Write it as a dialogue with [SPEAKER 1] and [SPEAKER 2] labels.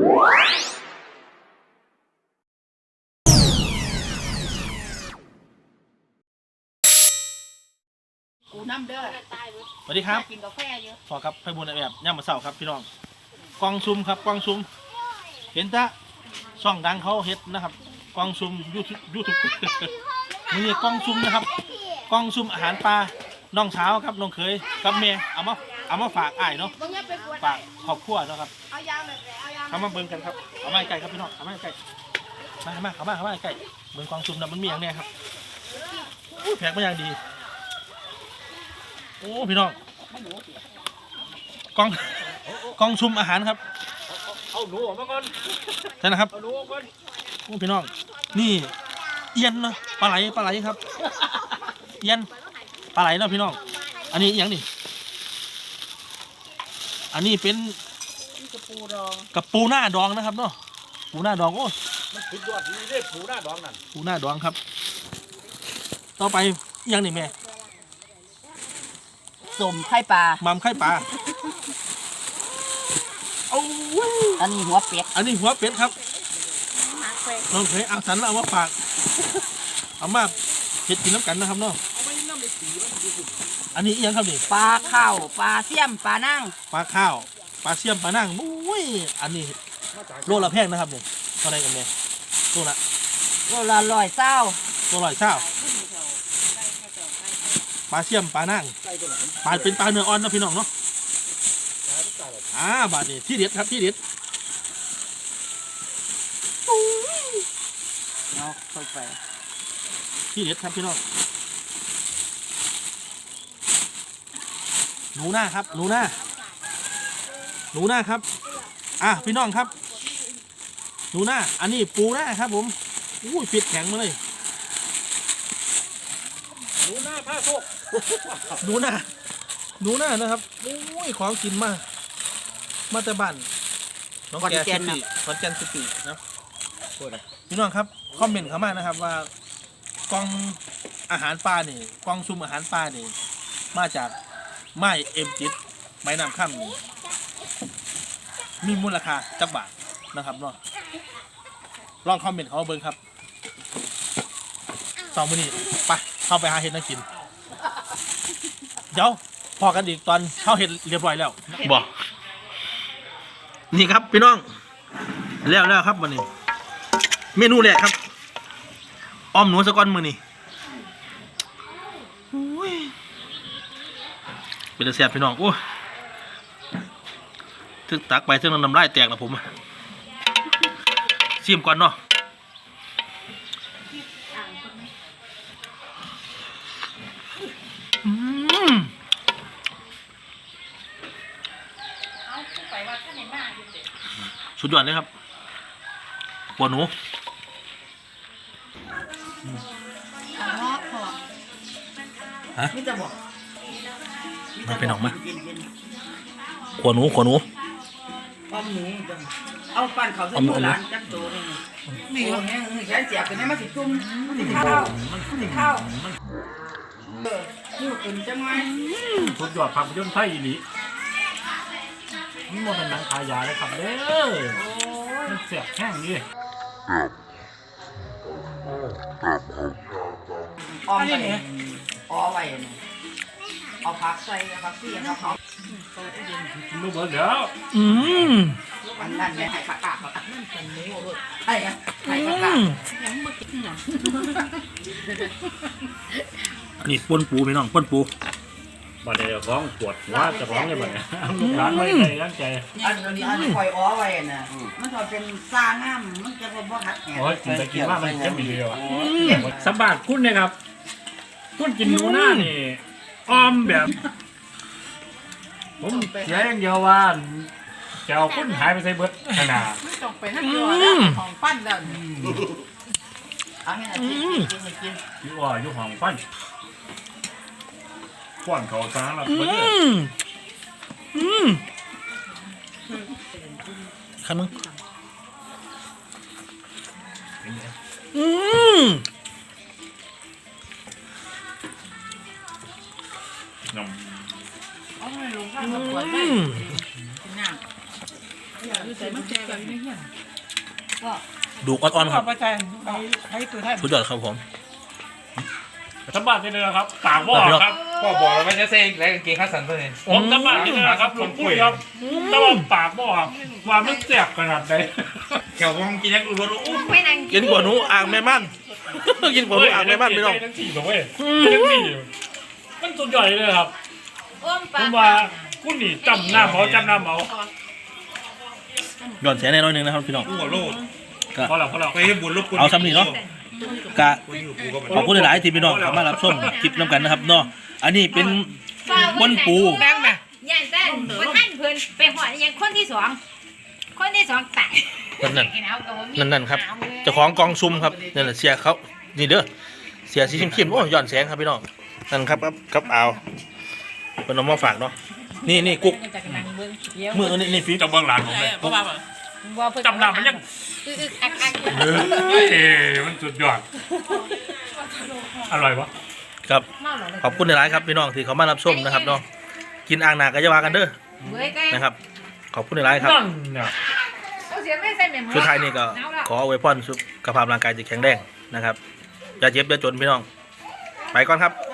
[SPEAKER 1] กูน้ำเด้อ
[SPEAKER 2] สวัสดีครับ
[SPEAKER 1] กินกาแฟเยอะ
[SPEAKER 2] พอครับไพบุญแบบย่ามมาเสาครับพี่น้องกองซุ่มครับกองซุ่มเห็นตะช่องดังเขาเฮ็ดนะครับกองซุ่มยูทูบมือกองซุ่มนะครับกองซุ่มอาหารปลาน้องเช้าครับน้องเคยกับเมย์เอามาฝากอ้ายเนาะฝากครอบครัวเนาะครับเอามาเบิ่งกันครับเอามาใกล้ครับพี่น้องเอามาใกล้มาเข้ามาใกล้เบิ่งกองซุ่มนะมันมีอย่างเนี้ยครับแพ็กมาอย่างดีโอ้พี่น้องกองซุ่มอาหารครับ
[SPEAKER 3] เอาหนูออกมาก่อน
[SPEAKER 2] ใช่นะครับ
[SPEAKER 3] เอาหนูออกก่อน
[SPEAKER 2] โอ้พี่น้องนี่เอียนเนาะปลาไหลครับเอียนปลาไหลเนาะพี่น้องอันนี้อย่างนี้อันนี้เป็นกระปูหน้าดองนะครับเนาะปูหน้าดองโอ้
[SPEAKER 3] มันสุดยอดดีเลยปูหน้าดองนั่น
[SPEAKER 2] ปูหน้าดองครับต่อไปอย่างนี้แม่
[SPEAKER 1] สมไข่ปลา
[SPEAKER 2] มัมไข่ปลา
[SPEAKER 1] อันนี้หัวเป็ด
[SPEAKER 2] ครับน้องเคยเอาสันเอามาฝากเอามาเห็ดกินน้ำกันนะครับเนาะอันนี้ยังครับนี่
[SPEAKER 1] ปลาข้าวปลาเสี่ยมปลานั่ง
[SPEAKER 2] ปลาข้าวปลาเสี่ยมปลานั่งโอ้ยอันนี้โลละแพงนะครับเนี่ยเท่าไรกันเนี่ยโลละ
[SPEAKER 1] 100
[SPEAKER 2] ปลาเสี่ยมปลานั่งปลาเป็นปลาเนื้ออ่อนนะพี่น้องเนาะบาดนี้ที่เด็ดครับที่เด็ด
[SPEAKER 1] เอาค่อยไป
[SPEAKER 2] ที่เด็ดครับพี่น้องหนูหน้าครับพี่น้องครับหนูหน้าอันนี้ปูหน้าครับผมอุ้ยฟิตแข็งมาเลย
[SPEAKER 3] หนูหน้าผ้าโชค
[SPEAKER 2] หนูหน้านะครับอุ้ยของกินมาแต่บ้านน้องแกซิตี้นะพี่น้องครับคอมเมนต์เข้ามานะครับว่ากองอาหารปลาเนี่ยกองซุ่มอาหารปลาเนี่ยมาจากไม้เอ็มจิตไม้น้ำข้ามนี่มีมูลค่าจักบาทนะครับเนาะลองคอมเมนต์เขาเบิ่งครับ2 มื้อนี้ไปเข้าไปหาเห็ดนั่งกินเดี๋ยวพอกันอีกตอนเข้าเห็ดเรียบร้อยแล้วบอกนี่ครับพี่น้องแล้วครับวันนี้เมนูแรกครับอ้อมหนูสะก้อนมือนี่เป็นแซ่บพี่น้องโอ้ถึงตักไปถึงน้ำลายแตกนะผมชิมก่อนเนาะสุดยอดเลยครับหัวหนูฮะมันเป็นออกมาหัวหนู
[SPEAKER 1] ป้อมหนูเอาปั่นเขาใส่โบราณจักโตนี่แขนเสียบเป็นไงมาสิจุ่มมันสิข้าวพูดเป็นจังไง
[SPEAKER 3] สุดยอดภาพยนตร์ไทยอีหลีนี่มันเป็นหนังขายาเลยครับเด้อมันเสียบแห้งดิ
[SPEAKER 1] อ้อมไปอ้อไว้เอาผักใส่ผักเสียบเขา
[SPEAKER 3] ลูกเบิร์ดเดี๋ยว
[SPEAKER 1] อันนั้นเนี่ยไข่ผักกาดนั่นเป็นหมูเลยไข่ผักกาดยังไม่กินหรอ
[SPEAKER 2] นี่ปนปูพี่น้องปนปู
[SPEAKER 3] บัดเดี๋ยวร้องปวดว่าจะร้องยังไงลูกหลานไม่ใจตั้งใจ
[SPEAKER 1] อันนี้คอยอ้อไว้น่ะมันจะเป็นซาง่ามมันจะเป็นบ่หัดแหน
[SPEAKER 3] โอ้ยแต่กินมากมันจะมีเดียวสบายคุณนะครับคุณกินหนูหน้านี่อ้อมแบบผมเสียอย่างเดียวว่าเจ้าคุณหายไปใส่เบิร์ดขนาด
[SPEAKER 1] ไม่ต้องไปนั่งอยู่แล้วของปั้นแล้วเอาให้กิน
[SPEAKER 3] อยู่ห้องปั้นป้อนเขาซ้าแล้วเบิร์ด
[SPEAKER 2] ขันมึง
[SPEAKER 3] น้ำ
[SPEAKER 1] เอาให้ลงข้างมาปวดไปกินน้ำใส่มันแจกแบบนี้เนี่ย
[SPEAKER 2] ดูอ่อนๆครับ
[SPEAKER 1] ไปใจให้ตัวไทย
[SPEAKER 2] สุดยอดครับผม
[SPEAKER 3] สบายนี่เลยนะครับปากบ่อครับ
[SPEAKER 4] พ่อบอกแล้วว่าจะเซ็งแล้วกางเกงขาสั้นตัวนี้
[SPEAKER 3] ผมสบายนี่เลยนะครับหลวงปู่ครับแต่ว่าปากบ่อว่ามันแสบขนาดไหน
[SPEAKER 4] แถววงกินยังอุบลอู้
[SPEAKER 5] ไม่นั่ง
[SPEAKER 2] กินกว่าหนูอ่างแม่มัน กินกว่าหนูอ่างแม่มันพี่น้อง
[SPEAKER 3] ทั้งสี่ตัวเว้ยทั้งสี่มันสุดยอดเลยครับ
[SPEAKER 5] อ้วม
[SPEAKER 3] ผ
[SPEAKER 5] ปาก
[SPEAKER 3] มว่าคุณนี่จำหน้าเมาจำหน้าเมา
[SPEAKER 2] ย้อนแสงแน่น้อยหนึงนะครับพี่น้อง
[SPEAKER 4] อู้หัวโลด
[SPEAKER 3] พอแล้วพอแล้ว
[SPEAKER 4] ไปให้บุญลบคุณ
[SPEAKER 2] เอาซ้ำนี่เนาะกะ
[SPEAKER 4] กูอยู่กูก็
[SPEAKER 2] ขอบคุณหลายๆที่พี่น้องเข้ามารับชมคลิปน้ำกันนะครับเนาะอันนี้เป็นบนปู
[SPEAKER 1] แบงค์น่ะ
[SPEAKER 5] ย่านแต่ว่าท่านเพิ่นไปหอดยังคนที่สองตาย
[SPEAKER 2] นั่นครับเจ้าของกองซุ่มครับนั่นแหละเสียเขานี่เด้อเสียสีเข้มๆโอ้ย้อนแสงครับพี่น้องนั่นครับเอาเป็นน้องมาฝากเนาะนี่กุ๊กมือนี่ฟี
[SPEAKER 3] จะเบื้องหลังผมเลย
[SPEAKER 1] เพราะว่า
[SPEAKER 3] จำหน้ามันยัง
[SPEAKER 5] อัก
[SPEAKER 3] เฮ้ยมันสุดยอดอร่อยวะ
[SPEAKER 2] ครับขอบคุณหลายๆครับพี่น้องที่เขามารับชมนะครับเนาะกินอ่างหนาก็จะว่ากันเด้อ
[SPEAKER 5] เว้ยก็
[SPEAKER 2] นะครับขอบคุณหลายๆครับ
[SPEAKER 3] นั่นเนี่ย
[SPEAKER 5] เอาเสียไม่ใส่แม่หมู
[SPEAKER 2] สุดท้ายนี่ก็ขออวยพรสุขภาพร่างกายจะแข็งแรงนะครับอย่าเจ็บอย่าจนพี่น้องไปก่อนครับ